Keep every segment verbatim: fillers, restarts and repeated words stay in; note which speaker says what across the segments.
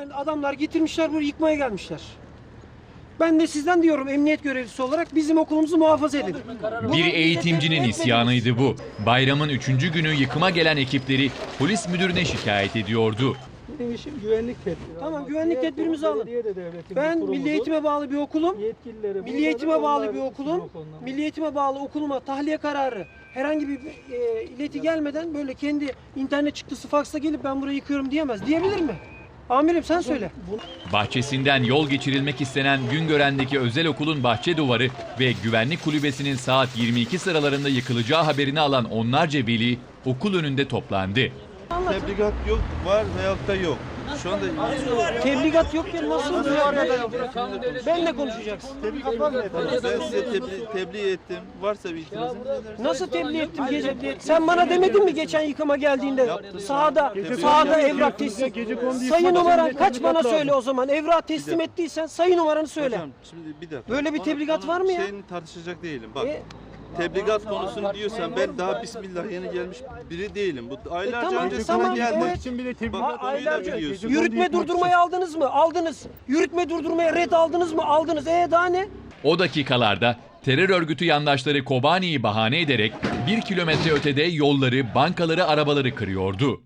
Speaker 1: Yani adamlar getirmişler burayı yıkmaya gelmişler. Ben de sizden diyorum emniyet görevlisi olarak bizim okulumuzu muhafaza edin.
Speaker 2: Bir eğitimcinin isyanıydı bu. Bayramın üçüncü günü yıkıma gelen ekipleri polis müdürüne şikayet ediyordu.
Speaker 3: Benim işim güvenlik tedbiri.
Speaker 1: Tamam, güvenlik tedbirimizi alın. Ben Milli Eğitim'e bağlı bir okulum. Milli Eğitim'e bağlı bir okulum. Milli Eğitim'e bağlı okuluma tahliye kararı herhangi bir e, ileti gelmeden böyle kendi internet çıktısı faksla gelip ben burayı yıkıyorum diyemez. Diyebilir mi? Amirim sen söyle.
Speaker 2: Bahçesinden yol geçirilmek istenen Güngören'deki özel okulun bahçe duvarı ve güvenlik kulübesinin saat yirmi iki sıralarında yıkılacağı haberini alan onlarca veli okul önünde toplandı.
Speaker 4: Tebligat yok, var veyahut da yok. Şu anda
Speaker 1: Tebligat yok ya, nasıl var ya da yok? Benle konuşacaksın.
Speaker 4: tebligat var mı efendim? Ben size tebliğ, tebliğ ettim. Varsa bir itirazınız edersiniz.
Speaker 1: Nasıl tebliğ ettim gece? Sen bana demedin mi geçen yıkıma geldiğinde sahada sahada evrak teslim. Sayı numaran kaç bana söyle o zaman. Evrak teslim ettiysen sayı numaranı söyle.
Speaker 4: Hocam şimdi bir dakika.
Speaker 1: Böyle bir
Speaker 4: Onu-
Speaker 1: tebligat
Speaker 4: onu
Speaker 1: var mı ya?
Speaker 4: Şeyini tartışacak değilim. Bak.
Speaker 1: E-
Speaker 4: Tebligat konusunu diyorsan ben daha bismillah yeni gelmiş biri değilim. Bu aylarca
Speaker 1: tamam,
Speaker 4: önce
Speaker 1: tamam,
Speaker 4: sana geldi.
Speaker 1: evet.
Speaker 3: için bile tebligat
Speaker 4: Bak, konuyu da
Speaker 1: Aylarca
Speaker 4: biliyorsun.
Speaker 1: yürütme durdurmayı aldınız mı? Aldınız. Yürütme durdurmaya red aldınız mı? Aldınız. E daha ne?
Speaker 2: O dakikalarda terör örgütü yandaşları Kobani'yi bahane ederek bir kilometre ötede yolları, bankaları, arabaları kırıyordu.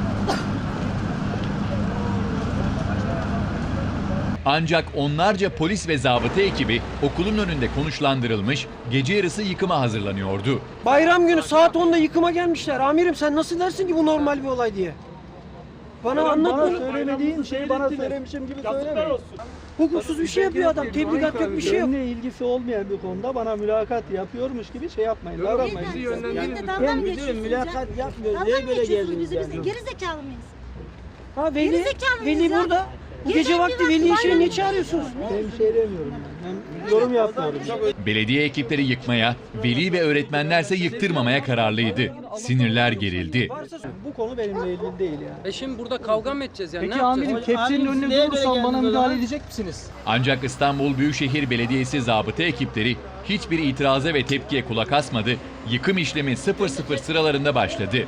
Speaker 2: Ancak onlarca polis ve zabıta ekibi okulun önünde konuşlandırılmış, gece yarısı yıkıma hazırlanıyordu.
Speaker 1: Bayram günü saat onda yıkıma gelmişler. Amirim sen nasıl dersin ki bu normal bir olay diye? Bana anlat
Speaker 3: Bana
Speaker 1: bunu.
Speaker 3: söylemediğin şeyi bana söylemişim gibi söyleme.
Speaker 1: Hukuksuz bir şey yapıyor adam. Tebligat yok, bir şey yok.
Speaker 3: Benimle ilgisi olmayan bir konuda bana mülakat yapıyormuş gibi şey yapmayın. Davranmayın.
Speaker 5: Beyefendi, dalga
Speaker 3: Ben
Speaker 5: mı
Speaker 3: müdürüm,
Speaker 5: geçiyorsunuz
Speaker 3: mülakat
Speaker 5: ya?
Speaker 3: yapmıyoruz.
Speaker 5: Dalga
Speaker 3: Niye
Speaker 5: mı
Speaker 3: böyle
Speaker 5: geçiyorsunuz
Speaker 3: geldiniz
Speaker 5: bizi? Biz de
Speaker 3: yani?
Speaker 5: geri zekalı mıyız?
Speaker 1: Ha Veli,
Speaker 5: Gerizekalı mıyız
Speaker 1: Veli
Speaker 5: ya?
Speaker 1: burada. Bu gece
Speaker 5: Gece
Speaker 1: vakti
Speaker 5: bir
Speaker 1: Veli'yi
Speaker 5: vakti
Speaker 1: içeri
Speaker 5: bayram-
Speaker 1: niye çağırıyorsunuz?
Speaker 3: Ben bir şey demiyorum. Yani. Ben yorum yapmıyorum.
Speaker 2: Belediye ekipleri yıkmaya, veli ve öğretmenlerse yıktırmamaya kararlıydı. Sinirler gerildi.
Speaker 3: Bu konu benimle ilgili değil yani.
Speaker 6: E şimdi burada kavga mı edeceğiz yani?
Speaker 3: Peki
Speaker 6: ne yapacağız?
Speaker 3: amirim tepsinin önüne durursam bana müdahale edecek misiniz?
Speaker 2: Ancak İstanbul Büyükşehir Belediyesi zabıta ekipleri hiçbir itiraza ve tepkiye kulak asmadı, yıkım işlemi sıfır sıfır sıralarında başladı.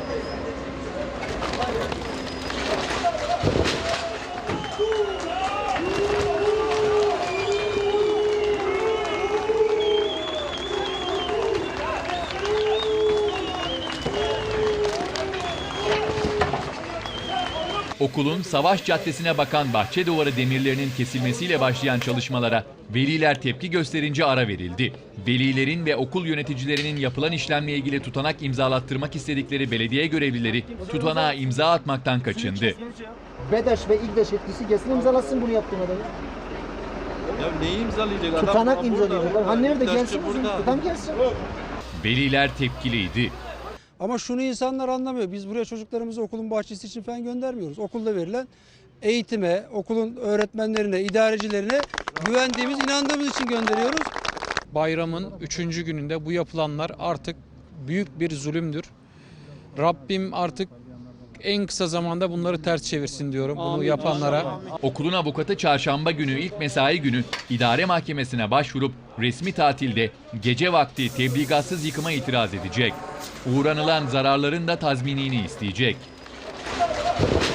Speaker 2: Okulun Savaş Caddesi'ne bakan bahçe duvarı demirlerinin kesilmesiyle başlayan çalışmalara veliler tepki gösterince ara verildi. Velilerin ve okul yöneticilerinin yapılan işlemle ilgili tutanak imzalattırmak istedikleri belediye görevlileri tutanağa imza atmaktan kaçındı.
Speaker 7: BEDAŞ ve İGDAŞ etkisi kesin imzalasın bunu yaptığın adamı.
Speaker 4: Ya neyi imzalayacak adam?
Speaker 7: Tutanak
Speaker 4: Burada,
Speaker 7: imzalayacaklar.
Speaker 4: burada.
Speaker 7: Ha nerede
Speaker 4: İktidarcı
Speaker 7: gelsin bizim
Speaker 4: burada.
Speaker 7: adam gelsin.
Speaker 2: Veliler tepkiliydi.
Speaker 8: Ama şunu insanlar anlamıyor. Biz buraya çocuklarımızı okulun bahçesi için falan göndermiyoruz. Okulda verilen eğitime, okulun öğretmenlerine, idarecilerine güvendiğimiz, inandığımız için gönderiyoruz.
Speaker 6: Bayramın üçüncü gününde bu yapılanlar artık büyük bir zulümdür. Rabbim artık en kısa zamanda bunları ters çevirsin diyorum bunu yapanlara.
Speaker 2: Okulun avukatı çarşamba günü ilk mesai günü idare mahkemesine başvurup resmi tatilde gece vakti tebligatsız yıkıma itiraz edecek. Uğranılan zararların da tazminini isteyecek.